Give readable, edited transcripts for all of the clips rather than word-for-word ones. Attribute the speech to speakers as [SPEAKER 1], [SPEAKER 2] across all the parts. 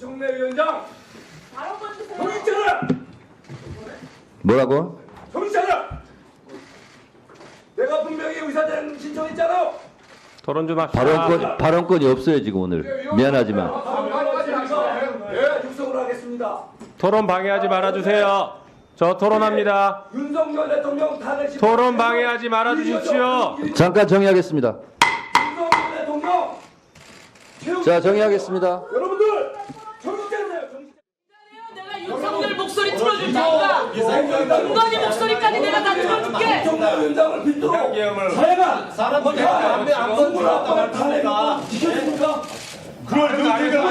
[SPEAKER 1] 정청래 위원장
[SPEAKER 2] 발언권 주세요.
[SPEAKER 1] 정신 차려!
[SPEAKER 3] 뭐라고?
[SPEAKER 1] 정신 차려! 내가 분명히 의사진행 신청했잖아요.
[SPEAKER 4] 토론 좀 합시다.
[SPEAKER 3] 발언권이 없어요 지금 오늘. 미안하지만.
[SPEAKER 1] 예, 육성을 하겠습니다.
[SPEAKER 4] 토론 방해하지 말아주세요. 저 토론합니다.
[SPEAKER 1] 윤석열 대통령 탄핵
[SPEAKER 4] 토론 방해하지 말아주십시오.
[SPEAKER 3] 잠깐 정의하겠습니다.
[SPEAKER 1] 윤석열 대통령 최후
[SPEAKER 3] 자 정의하겠습니다.
[SPEAKER 1] 여러분들 정신 차리세요. 정신
[SPEAKER 2] 내가 윤석열 목소리 틀어줄 테니까 김건희 목소리까지 내가 다 틀어줄게.
[SPEAKER 1] 정청래 위원장을 빗도록 사회가 사람들이 안 건드려 탄핵을 지켜줍니까?
[SPEAKER 5] 그걸 윤석열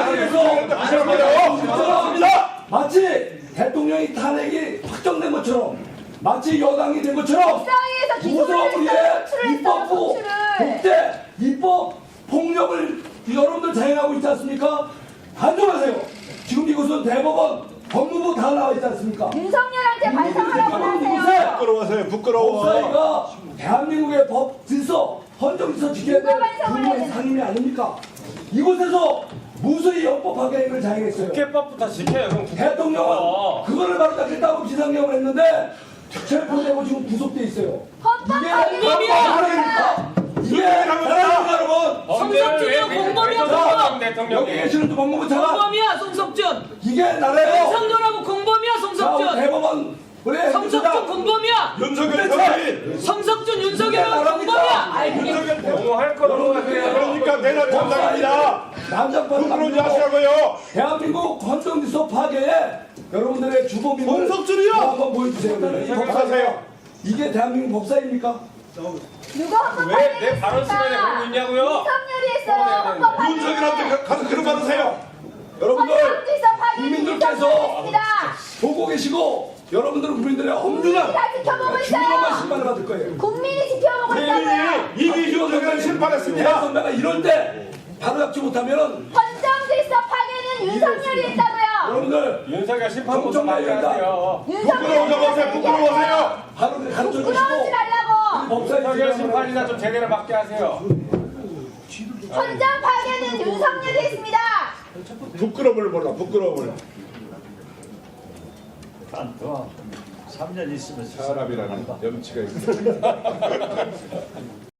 [SPEAKER 1] 죄송합니다. 마치 대통령이 탄핵이 확정된 것처럼 마치 여당이 된 것처럼
[SPEAKER 2] 사회에서
[SPEAKER 1] 구성부의
[SPEAKER 2] 기소를
[SPEAKER 1] 입법부 독재 입법 폭력을 여러분들 자행하고 있지 않습니까? 반성하세요. 지금 이곳은 대법원 법무부 다 나와 있지 않습니까?
[SPEAKER 2] 윤석열한테 반성하라고 하세요.
[SPEAKER 5] 부끄러워서요. 부끄러워.
[SPEAKER 1] 법사위가 대한민국의 법 질서 헌정 질서 지켜야 될
[SPEAKER 2] 누가 반성을
[SPEAKER 1] 국민의
[SPEAKER 2] 해야
[SPEAKER 1] 상임이 아닙니까? 이곳에서 무수히 헌법 파괴행을 자행했어요.
[SPEAKER 4] 국회법부터 지켜요. 그럼
[SPEAKER 1] 대통령은 그거를 바로 잡겠다고 비상경을 했는데 체포되고 지금 구속돼 있어요.
[SPEAKER 2] 헌법
[SPEAKER 1] 이게
[SPEAKER 2] 파괴입니다.
[SPEAKER 1] 이게 사랑하는 여러분
[SPEAKER 2] 송석준이요, 공범이요, 공범.
[SPEAKER 1] 여기 계시는 법무부 차관
[SPEAKER 2] 공범이야, 송석준.
[SPEAKER 1] 이게 나라예요.
[SPEAKER 2] 윤석열하고 공범이야,
[SPEAKER 1] 자,
[SPEAKER 2] 송석준.
[SPEAKER 1] 대법원 우리
[SPEAKER 2] 성석준 공범이야.
[SPEAKER 5] 윤석열 대통령이
[SPEAKER 2] 성석준 윤석열은 공범이야.
[SPEAKER 4] 너무할 거 넘어가세요.
[SPEAKER 5] 그러니까 내년 정상입니다.
[SPEAKER 1] 남자판
[SPEAKER 5] 부끄러우지 하시라고요.
[SPEAKER 1] 대한민국 헌정질서 파괴에 여러분들의 주범임을
[SPEAKER 5] 성석준이요?
[SPEAKER 1] 한번 보여주세요. 이
[SPEAKER 5] 법사세요.
[SPEAKER 1] 이게 대한민국 법사입니까?
[SPEAKER 2] 누가 헌법
[SPEAKER 4] 왜 내 발언 시간에 그러고 있냐고요?
[SPEAKER 2] 윤석열이 했어요. 헌법 파괴.
[SPEAKER 5] 윤석열한테 가서 그런 받으세요.
[SPEAKER 1] 여러분들
[SPEAKER 2] 헌정질서 파괴는
[SPEAKER 1] 국민들께서
[SPEAKER 2] 윤석열이었습니다.
[SPEAKER 1] 보고 계시고 여러분들은 국민들의 엄중한
[SPEAKER 2] 다 지켜보고 있어요.
[SPEAKER 1] 중요한 심판을 받을 거예요.
[SPEAKER 2] 국민이 지켜보고 있다고요.
[SPEAKER 5] 이미 윤석열 심판했습니다.
[SPEAKER 1] 선배가 이럴 때 바로 잡지 못하면은
[SPEAKER 2] 헌정질서 파괴는 윤석열이 했다고요.
[SPEAKER 1] 여러분들
[SPEAKER 4] 윤석열 심판부터
[SPEAKER 1] 정청래
[SPEAKER 4] 받게 하세요.
[SPEAKER 5] 부끄러워서 부끄러워서요.
[SPEAKER 1] 바로 가르쳐
[SPEAKER 2] 부끄러워지
[SPEAKER 1] 주시고
[SPEAKER 2] 말라고.
[SPEAKER 1] 법사위
[SPEAKER 4] 윤석열 심판이나 좀 제대로 받게 하세요.
[SPEAKER 2] 헌정 파괴는 윤석열이 했습니다.
[SPEAKER 5] 부끄러움을 몰라. 부끄러움을.
[SPEAKER 6] 한 3년 있으면
[SPEAKER 5] 사람이라는 염치가 있어.